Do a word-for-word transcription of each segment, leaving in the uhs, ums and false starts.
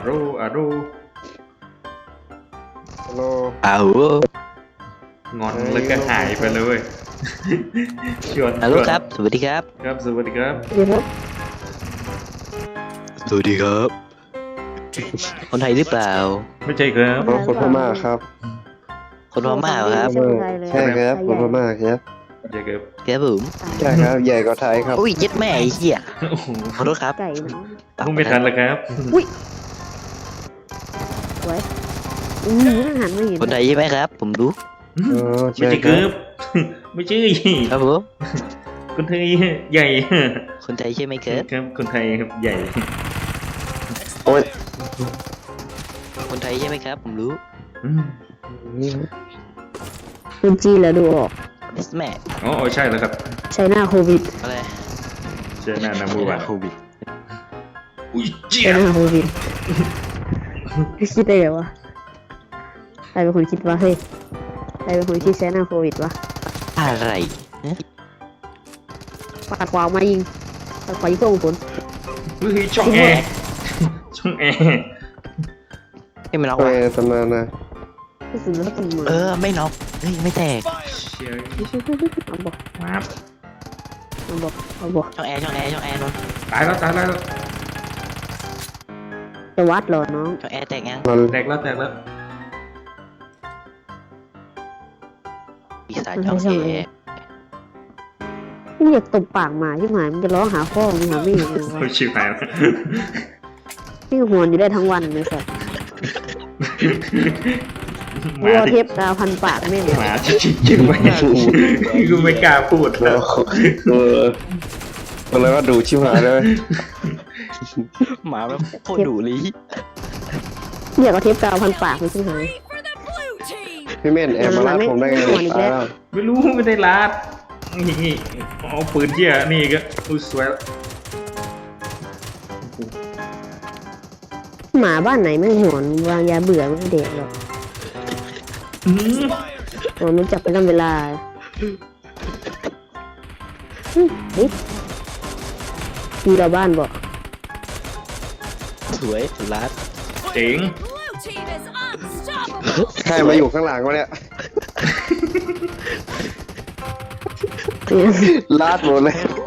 โรอาโรฮัลโหลอ้าวงอนแล้วก็หายไปเลยเว้ยชวนฮัลโหลครับสวัสดีครับครับสวัสดีครับสวัสดีครับสวัสดีครับคนไทยหรือเปล่าไม่ใช่ครับอ๋อคนพม่าครับคนพม่าเหรอครับใช่ครับคนพม่าครับใช่ครับแกผมใช่ครับใหญ่กว่าไทยครับอุ้ยเย็ดแม่ไอ้เหี้ยโอ้โหขอโทษครับไก่นะพุ่งไม่ทันแล้วครับสวยอือหันไม่เห็นคนไทยใช่ไหมครับ ผมรู้อ๋อไม่ใช่ใช่คครัรับ บไม่ใช่ครับผมคนไทยใหญ่คนไทยใช่ไหมครับครับคนไทยครับใหญ่โอ้ยคนไทยใช่ไหมครับ ผมรู้อืมเป็นจีนแล้วดูออกเอสแม่อ๋อใช่แล้วครับใช้หน้าโควิดอะไรเจอหน้าน้ำมูวันโควิดอุ้ยเจี๊ยใช้หน้าโควิดคิดได้ไงวะใครเป็นคนคิดวะเฮ้ยใครเป็นคนคิดใช้หน้าโควิดวะอะไรปัดขวามายิงปัดขวายิงเพื่อผลเฮ้ยช่องแอร์ช่องแอร์ไม่ไม่น็อกไปวะตำนานนะที่สุดแล้วก็ตีมือเออไม่น็อกเฮ้ยไม่แตกเชียร์เอาบอกมาบเอาบอกเอาบอกช่องแอร์ช่องแอร์ช่องแอร์นนท์ตายแล้วตายแล้วจะวัดเหรอน้องช่องแอร์แตกยังมันแตกแล้วแตกแล้วปีศาจช่องแอร์กูอยากตบปากหมาที่หมายมันจะร้องหาพ่อมึงหาไม่เห็นเลยวะโอ้ยชิบหายแล้วพี่หวนอยู่ได้ทั้งวันเลยสัสหวัมาวเทที่ปดาวพันปากไม่หเลยมาที่จริงๆไม่กูไม่กล้าพูดเออเอออะไรว่าดูชิบหายเลยหมาแบบโคตรดุเลยอยากเอาเทปดาวพันปากไปที่หายพี่เม่นแอบมาลาดผมได้ไงไม่ไม่ตายแล้วไม่รู้ไม่ได้ลาดนี่เอาปืนเที่ยนี่ก็อุ้ยสวยแล้วหมาบ้านไหนไม่หวนวางยาเบื่อไม่ให้เด็กหรอกอืมหวนมันจับไปตามเวลาเฮ้ยเฮ้ยทีเราบ้านบอกสวยรัดเจ๋งใครมาอยู่ข้างหลังวะเนี่ยเนี่ยลาดหมดเลย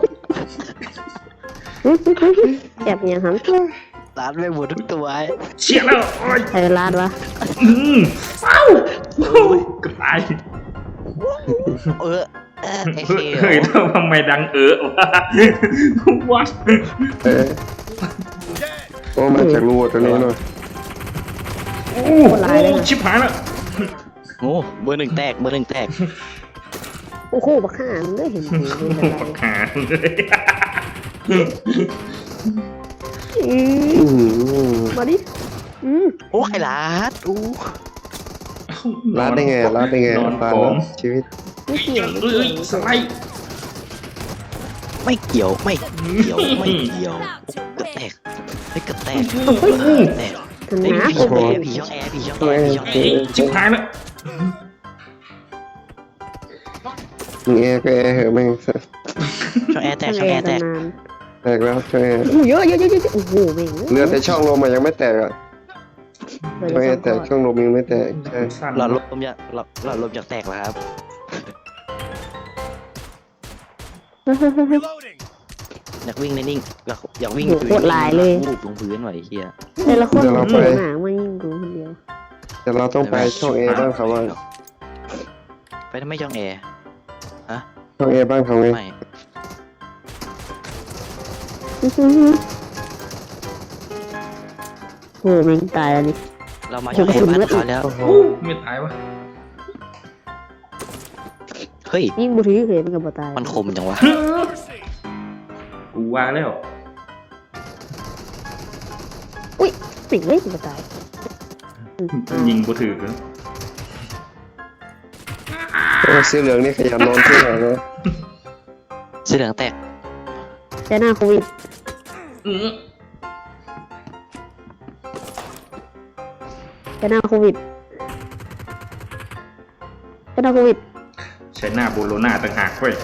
แอบยังหันรัดไปหมดทุกตัวไอ้เชี่ยแล้วโอ้ยใครลาดวะอืมเศร้าโอ้ยกระตายเออเออไอ้เฮ้เหี้ยยเฮ้ยทำไมดังเออวะวัดเออโอ้มาจากรูตัวนี้หน่อยโอ้ชิบหายแล้วโอ้เบอร์หนึ่งแตกเบอร์หนึ่งแตกโอ้โหบักห่ามึงได้เห็นหูเป็นอะไรหาเลยอือืมมมาดิอืมโอ้ไอ้รัดอู้ลาดได้ไงลาดได้ไงนอนตายผแล้วมชีวิตไม่เกี่ยวไม่เอ้เกี่ยยว สไลด์ไม่เกี่ยวไม่เกี่ยวไม่เกี่ยวเกือบแตกไม่เกือบแตกแตกทำไอ้นะผีโอ้ช่องโหแอร์ผีช่องแอร์ผีช่องแอเอ้ร์ยผีช่องแอเอ้ยร์ชิบหายแล้วมึงแอร์ก็แอร์เหอะแม่งช่องแอร์แตกช่องแอร์แตกนานแตกแล้วใช่ไหมโอ้เยอะเยอะเยอะเยอะโอ้โหแม่งเลือดในช่องลมมันยังไม่แตกอ่ะเลยไม่จะแตกช่องลมยังไม่แตกใช่สั้นหลอดลมอยากหลอดหลอดลมอยากแตกแล้วครับอยากวิ่งในนิ่งอยากอยากวิ่งวูบลงพื้นหน่อยไอ้เหี้ยแต่ละคนโผล่หนามายิ่งกูคนเดียวแต่เราต้องไปช่องเอบ้างเขาว่าไปทำไมช่องแอร์ช่องเอบ้างเขาไงไม่โอ้แม่งตายแล้วนี่เรามาช่องแอร์บ้านเขาแล้วโอ้โหโอ้ไม่ตายวะเฮ้ยยิ่งบุตรีเคยมันกับบ่ตายมันคมจังวะกูวางแล้วอุ้ยปิดเลยมันตายยิงกูถือกันโอ้เสื้อเหลืองนี่ขยันนอนที่ไหนเลยเสื้อเหลืองแตกแต่หน้าโควิดอือแต่หน้าโควิดแต่หน้าโควิดใช้หน้าโบโลนาต่างหากเว้ย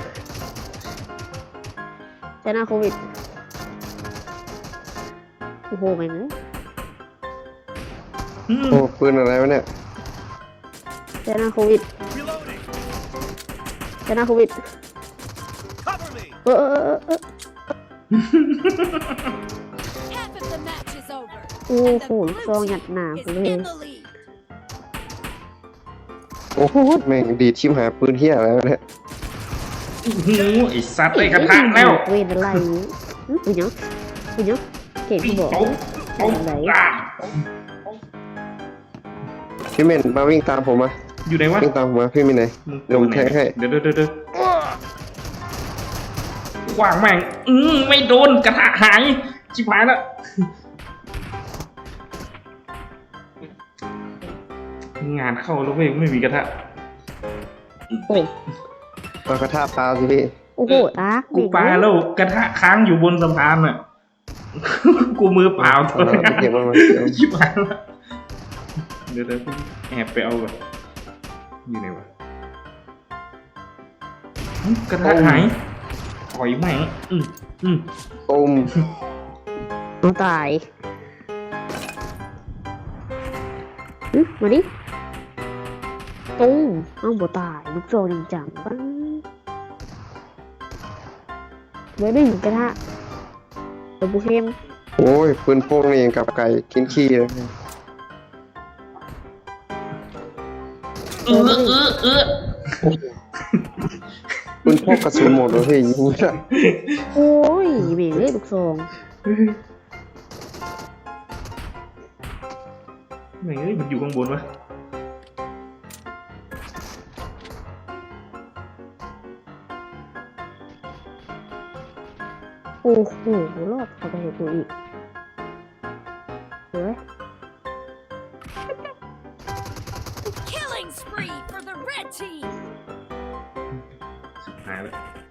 แต่หน้าโควิดโอ้โหแม่งโอ้ปืนอะไรวะเนี่ยเซน่าโควิดเซน่าโควิดเออเออเออเออ Half of the match is over. โอ้โหลูกซองหยัดหนา Is กูเลย in the lead. โอ้โหแม่งดีดชิมหายปืนเฮียอะไรวะเนี่ยอื้อหือไอ้สัตว์ได้กระทะแล้วเวนอะไรกูเนาะกูเนาะเก่งกูบอกตบตบอ่ะพี่เมนมาวิ่งตามผมมาอยู่ไหนวะวิ่งตามผมมาพี่มีไหนมึงเดี๋ยวผมแทงให้เดี๋ยวเดี๋ยวเดี๋ยวเดี๋ยวขวางแม่งอืมไม่โดนกระทะหายชิบหายแล้วงานเข้าแล้วเว้ยไม่มีกระทะโอ้เอากระทะปลาสิพี่โอ้โหตากูปาแล้วกระทะค้างอยู่บนสะพานอ่ะ กูมือเปล่าเอาละเก็บมันมาชิบหายแล้วเดี๋ยวเดี๋ยวแอบไปเอาก่อนอยู่ไหนวะหึกระทะหายถอยแม่งอืมอืมต้มเอาตายหึมาดิตุ้มเอาบ่ตายลูกโจจริงจังปังเบอร์หนึ่งกระทะตัวบุเข้มโอ้ยปืนโป้งนี่ยังกับไก่กินขี้เลยเออเออเออปืนพกกระสุนหมดเลยพี่ยิงไม่ได้โอ้ยเบี่ยงเลยลูกซองแม่งเอ้ยมันอยู่ข้างบนวะโอ้โหรอดเข้าไปกูอีกเฮ้ย Killing spree for the red team. หายแล้ว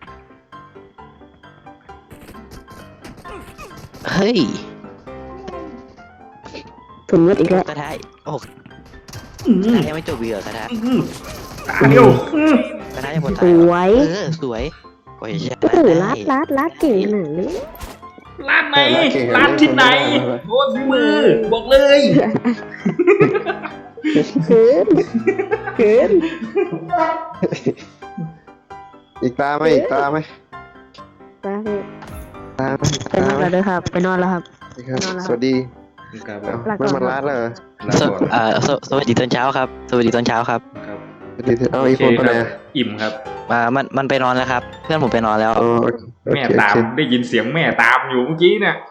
เฮ้ยถึงเลือดอีกแล้วกระทะโอ้อืกระมทะยังไม่จบอีกเหรอกระทะอืมตาเดียวอืมกระทะยังหมดสตายเหรอวยเออสวยโอ้ยชโอ้นะโหได้ลัดลัดลัดเก่งขนาดนี้ร้านไหนร้านที่ไหนโอ้ยฝีมือบอกเลยเกินเกินอีกตาไหมอีกตาไหมไปพี่ตาไหมไปนอนแล้วด้วยครับ ไปนอนแล้วครับครับนอนแล้วสวัสดีครับเอ้าลาก่อนไม่มาลาดแล้วเหรอลาสวก่อนเอ่อสวสวัสดีตอนเช้าครับ สวัสดีตอนเช้าครับครับสวัสดีเอาอีกคนไปไหนโอเครับอิ่มครับมามันมันไปนอนแล้วครับ เพื่อนผมไปนอนแล้วอ๋อโอเคโอแม่เคตามโอเคได้ยินเสียงแม่ตามอยู่เมื่อกี้เนี่ย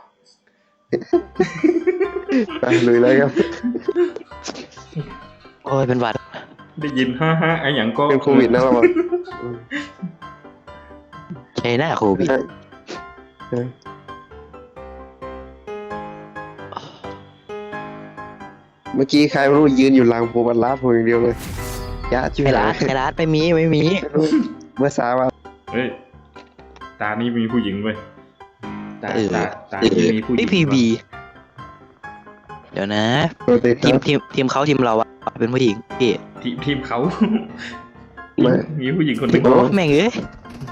ไปลุยเลยครับโอ้ยเป็นหวัดได้ยินฮ่าฮ่าไอ้อย่างก็เป็นโควิดนะเราบอกใช่หน้าโควิดใช่ใช่เมื่อกี้ใครไม่รู้ยืนอยู่หลังผมมันลาดผมอย่างเดียวเลยยะชื่อไคอะไรรัสไครัสไม่มีไม่มีเมื่อสาวว่าเฮ้ยตานี้มีผู้หญิงเว้ยตาเออตาตาเอนี้อมีผู้หญินี่งพีบี เดี๋ยวนะโปรตีนคทีมรับทีมทีมเขาทีมเราอะเป็นผู้หญิงพี่ทีมทีมเขาไม่มีผู้หญิงคนหนึ่งโอ้แม่งเอ้ย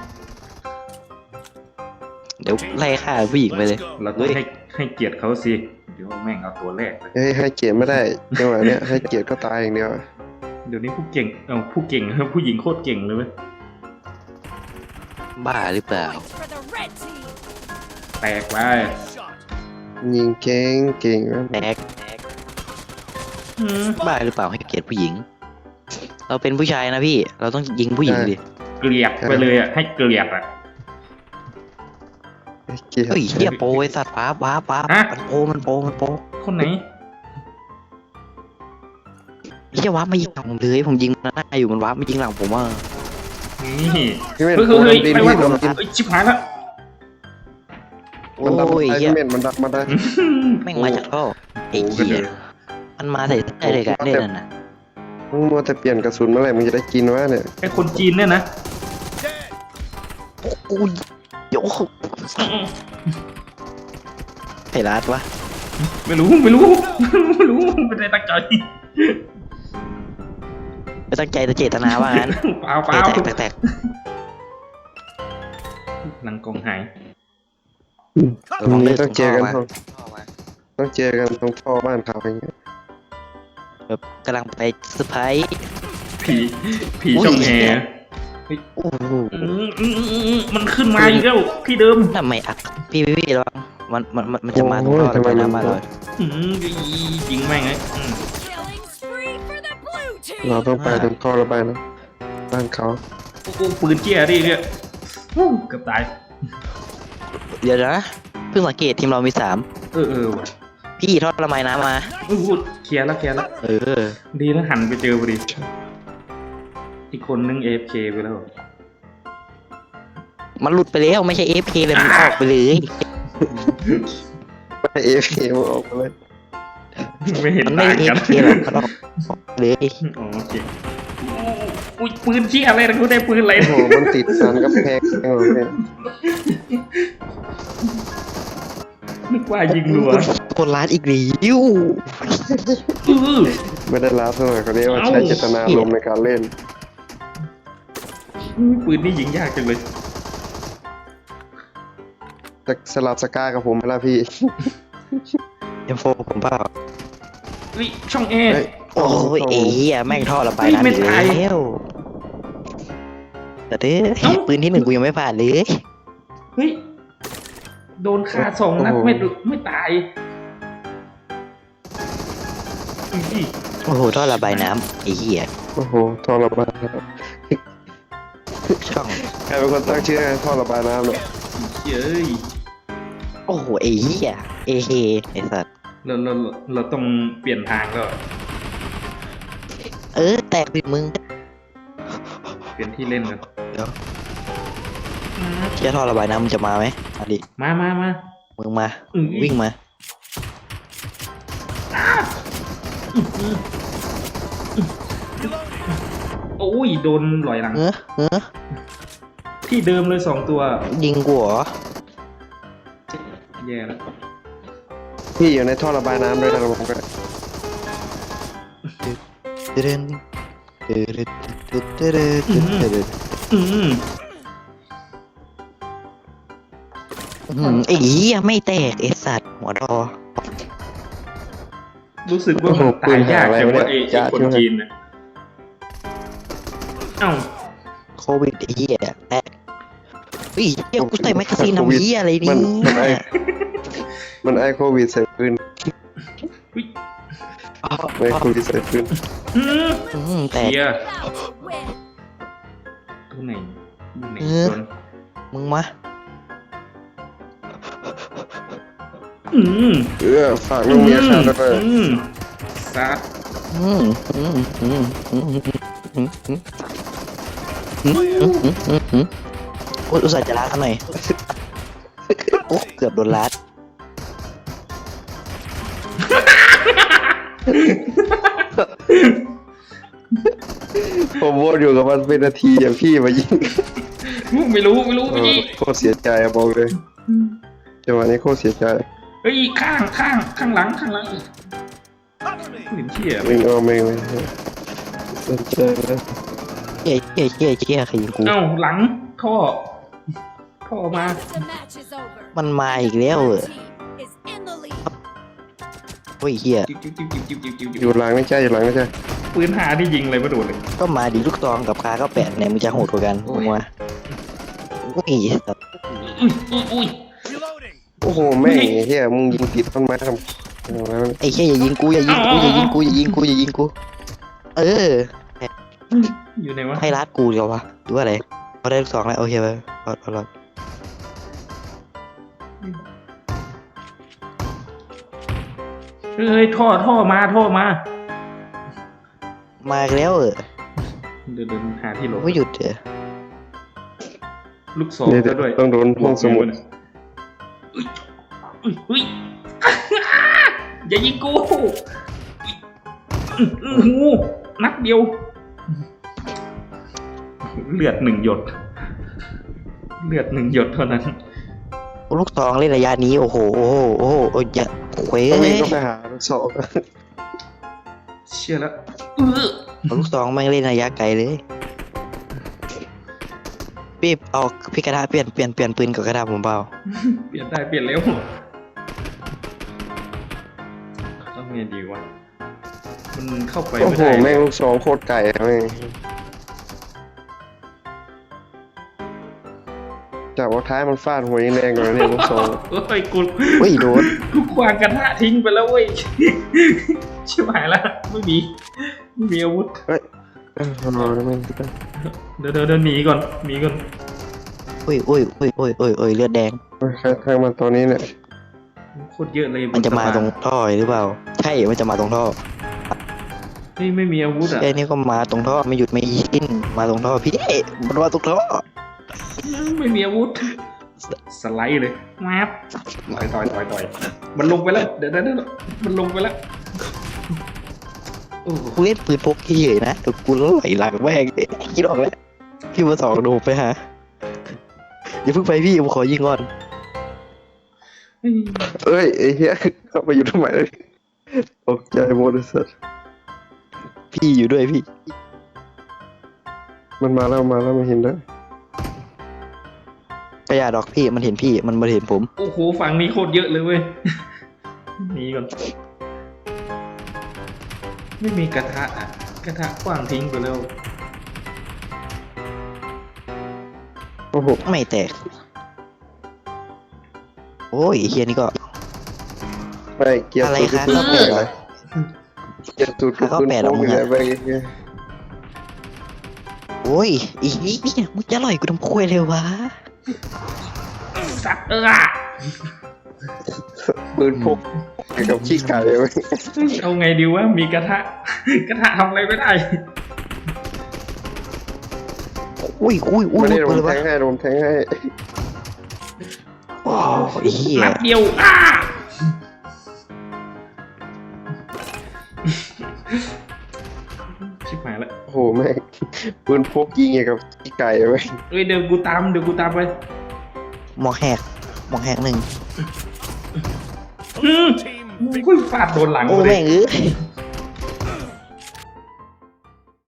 เดี๋ยวไล่ฆ่าผู้หญิงไปเลยเราต้องให้ให้เกียรติเขาสิเดี๋ยวแม่งเอาตัวแรกเลยเฮ้ยให้เกียรติไม่ได้จังหวะเนี้ยให้เกียรติก็ตายอย่างเดียวเดี๋ยวนี้ผู้เก่งเอาผู้เก่ง ผู้หญิงโคตรเก่งเลยเว้ยบ้าหรือเปล่า Points for the red team. แตกไปยิงเก่งเก่งนะแตกบ้าหรือเปล่าให้เกียรติผู้หญิง เราเป็นผู้ชายนะพี่ เราต้องยิงผู้หญิงดิเกลียดไปเลยอ่ะให้เกลียดอ่ะเกียรติเฮ้ยเฮียโปไอสัตว์ว้าบว้าบว้าบฮะมันโปมันโปมันโปคนไหนเฮียว้าบมายิงหลังผมเลยผมยิงมันหน้าอยู่มันว้าบมายิงหลังผมว่านี่พี่เมนเฮ้ยโดเฮ้ยนดินไปพี่วะโดนดินเอ้ยชิบหายแล้วมันดักโอ้ยไอ้เฮียพี่เมนมันดักมาได้แม่งมาจากท่อไอ้เฮียมันมาใส่ใส่เลยกันเนี่ยนั่นน่ะมึงมัวแต่เปลี่ยนกระสุนเมื่อไหร่มึงจะได้กินวะเนี่ยไอ้คนจีนเนี่ยนะโอ้ยโยไอ้รัดวะไม่รู้ไม่รู้ไม่รู้ไม่ได้ตั้งใจไม่ตั้งใจแต่เจตนาว่างั้นเปล่าเปแตล่ากแตกแตกหนังกองหายเออผมเลิกต้องเจอกันตรงท่อมาต้องเจอกันตรงท่อบ้านเขาอย่างเงี้ยแบบกำลังไปเซอร์ไพรส์ผีผีช่องแอร์โอ้โหอืมอืมอืมอืมมันขึ้นมาอีกแล้วที่เดิมทำไมอ่ะพี่พี่พี่ระวังมันมันมันมันจะมาตรงท่อระบายน้ำมาเลยอืมยิงแม่งไงอืม Killing spree for the blue team. เราต้องไปตรงท่อระบายน้ำบ้านเขาโอ้โหปืนเจี๊ยดิเนี่ยวู้เกือบตายเดี๋ยวนะเพิ่งสังเกตทีมเรามีสามเออเออว่ะพี่ท่อระบายน้ำมาโอ้โหเคลียร์แล้วเคลียร์แล้วเออดีแล้วหันไปเจอพอดีอีกคนนึง เอ ฟ เค ไปแล้วมันหลุดไปแล้วไม่ใช่ เอฟ เค เลยมันออกไปเลยไม่เอฟเอมันออกมาเลยไม่เห็นมันไม่ต่างเอกันฟ เค หรอกมันออกเลยอ๋อโอเคอุ้ยปืนเจี๊ยอะไรนะกูได้ปืนอะไรโอ้โหมันติดสันกับแพงเออเนี่ยนึกว่ายิงรัวคนร้านอีกหริวอื้อไม่ได้รับเท่าไหร่คนนี้ว่าใช้เจตนาลมณ์ในการเล่นปืนนี่ยิงยากจังเลยจะสลับสก้ากับผมไหมล่ะพี่เอ็มโฟผมเปล่าเฮ้ยช่องแอร์เฮ้ยโอ้ยเอ๋แม่งท่อระบายเฮ้ยไม่น้ำอยู่ตายแล้วแต่เด้อปืนที่หนึ่งกูยังไม่ผ่านเลยเฮ้ยโดนฆ่าสองนัดไม่ไม่ตายอุ้ยโอ้โหท่อระบายน้ำไอ้เหี้ยโอ้โหท่อระบายน้ช่องำใครเป็นคนตั้งชื่อให้ท่อระบายน้ำเนี่ยเย้ยโอ้โหไอ้เหี้ยเอเฮไอ้สัตว์เราเราเราต้องเปลี่ยนทางแล้วเออแตกปิดมึงเปลี่ยนที่เล่นกันเดี๋ยวเชี่ยท่อระบายน้ำมึงจะมาไหมมาดิมามามามึงมาอืมวิ่งมาโอ้ยโดนหลอยหลังเออเออที่เดิมเลยสองตัวยิงกูเหรอแย่แล้วพี่อยู่ในท่อระบายน้ำด้วยนะผมก็เดินเดินเดินเดินเดินเดินเดินอืมอืมไอ้เหี้ยไม่แตกไอ้สัตว์หัวดอรู้สึกว่ามันตายยากแต่ว่าไอ้ไอ้คนจีนนะเอ้าโควิดไอ้เหี้ยแตกเฮ้ยเหี้ยกูใส่แมกกาซีนทำเหี้ยอะไรเนี่มันมันไอยยมันไอโควิดใส่ปืนอุ๊ยไม่โควิดใส่ปืนอืมอืมแตกเฮีย Thou win. ตัวไหนอยู่ไหนเออโดนมึงมาอืมเออฝากลูกเมียข้าด้วยอืมซัดอืมอืมอืมอืมอืมอืมอืมอืมอืมอืมอืมอืมโอ้ยอุตส่าห์จะล้าซะหน่อยโอ้เกือบโดนล้าผมวนอยู่กับมันเป็นนาทีอย่างพี่มายิงไม่รู้ไม่รู้เอเมื่ออกี้โคตรเสียใจอะบอกเลยจังหวะนี้โคตรเสียใจเฮ้ยข้างข้างข้างหลังข้างหลังเห็นเชี่ยเลยวิ่งอ้อมไม่ไม่สนใจนะเชี่ยเชี่ยเชี่ยเชี่ยใครยิงกูเอ้าหลังท่อท่อมา The match is over. มันมาอีกแล้วเหร Blue อ team is in the lead. Oh, โอ้ยเฮียจิ๊บจิ๊บจิ๊บจิ๊บจิ๊บจิ๊บจิ๊บอยู่หลังไม่ใช่อยู่หลังไม่ใช่ปืนหาที่ยิงอะไรมาโดนเลยก็มาดีลูกตองกับคาก็แปดเนี่ยมึงจะโหดกว่ากันมึงมาโอ้ยสัตว์อุ้ยอุ้ยอุ้ยโอ้โหแม่งไอ้เฮียมึงยิงติดต้นไม้ทำเอาแล้วไอ้เชี่ยอย่ายิงกูอย่ายิงกูอย่ายิงกูอย่ายิงกูอย่ายิงกู เอออยู่ไหนวะให้รัดกูเดียววะหรือว่าอะไรพอได้ลูกสองแล้วโอเคไปพอพอแล้วเฮ้ยท่อท่อมาท่อมามาอีกแล้วเออเดินเดินหาที่หลบไม่หยุดเออลูกศรเนี่ยก็ด้วยต้องโดนห้องสมุดอุ้ยอุ้ย อย่ายิงกูอื้ออื้อหูนัดเดียว เลือดหนึ่งหยด เลือดหนึ่งหยดเท่านั้นลูกซองเล่นระยะนี้โอ้โหโอ้โหโอ้โหโอ้ยอย่าเว้ยต้องวิ่งเข้าไปหาลูกศรเชื่อแล้วเออเอาลูกซองแม่งเล่นระยะไกลเลยพี่เอาพี่กระดาษเปลี่ยนเปลี่ยนเปลี่ยนปืนกับกระดาษผมเปล่าเปลี่ยนได้เปลี่ยนแล้วต้องไงดีวะมันเข้าไปโอ้ไม่โหได้แม่งลูกสองโคตรไก่อะแม่งจับว่าท้ายมันฟาดหัวยังแรงกว่านั้นเนี่ยลูกสองเอ้ยกูเฮ้ยโดนกูควางกระทะทิ้งไปแล้วเว้ย ชิบหายแล้วไม่มีไม่มีอาวุธเอ้ยเออรอแล้วแม่งเดี๋ยวเดี๋ยวเดี๋ยวหนีก่อนหนีก่อนโอ้ยโอ้ยโอ้ยโอ้ยโอ้ยโอ้ยเลือดแดงเฮ้ยใครมาตอนนี้เนี่ยโคตรเยอะเลยมันจะมาตรงท่อหรือเปล่าใช่มันจะมาตรงท่อเฮ้ยไม่มีอาวุธอ่ะไอ้นี่ก็มาตรงท่อไม่หยุดไม่ยินมาตรงท่อพี่มันมาตรงท่อไม่มีอาวุธสไลด์เลยแมปต่อยต่อยต่อยต่อยมันลงไปแล้วเดี๋ยวเดี๋ยวเดี๋ยวมันลงไปแล้วโอ้โหกูเล่นปืนพกเฉยๆนะแต่กูไหลหลังแม่งคิดออกแล้วพี่มาสองดูไปฮะอย่าเพิ่งไปพี่ผมขอยิงก่อนเอ้ยไอ้เหี้ยเข้าไปอยู่ทำไมเลยตกใจหมดเลยสัสพี่อยู่ด้วยพี่มันมาแล้วมาแล้วมาเห็นแล้วกระยาดอกพี่มันเห็นพี่มันมาเห็นผมโอ้โหฝั่งนี้โคตรเยอะเลยเว้ยหนีก่อนไม่มีกระทะอะกระทะกว้างทิ้งไปแล้วโอ้โหไม่แตกโอ้ยเฮียนี่ก็ไปเกียร์อะไรตูดคะปืนข้าวแปดเหรอเกียร์ตูดข้าวปืนแปดเหรโค้อง มึอง ยู่อะไหนไปไอ้เหี้ยโอ้ยอีนี่มึงจะอร่อยกูทำคุยเลยวะสัตว์เออปืนพกกับขี้ไก่ไว้ยเอาไงดีวะมีกระทะ กระทะทำอะไรไม่ได้อุ้ยอุ้ยอุ้ยไม่ได้โดปืนนเลยวะแทงให้โดนแทงให้โอ้ยเฮียนัดเดียวอ้าชิบหายแล้วโอ้โหแม่งปืนพกยิงอย่างกับขี้ไก่ไว้ยเอ้ยเดี๋ยวกูตามเดี๋ยวกูตามไปหมอกแหกหมอกแหกหนึ่งอืมกูฟาดโดนหลังโอ้กูเลแม่ยงเอ้ย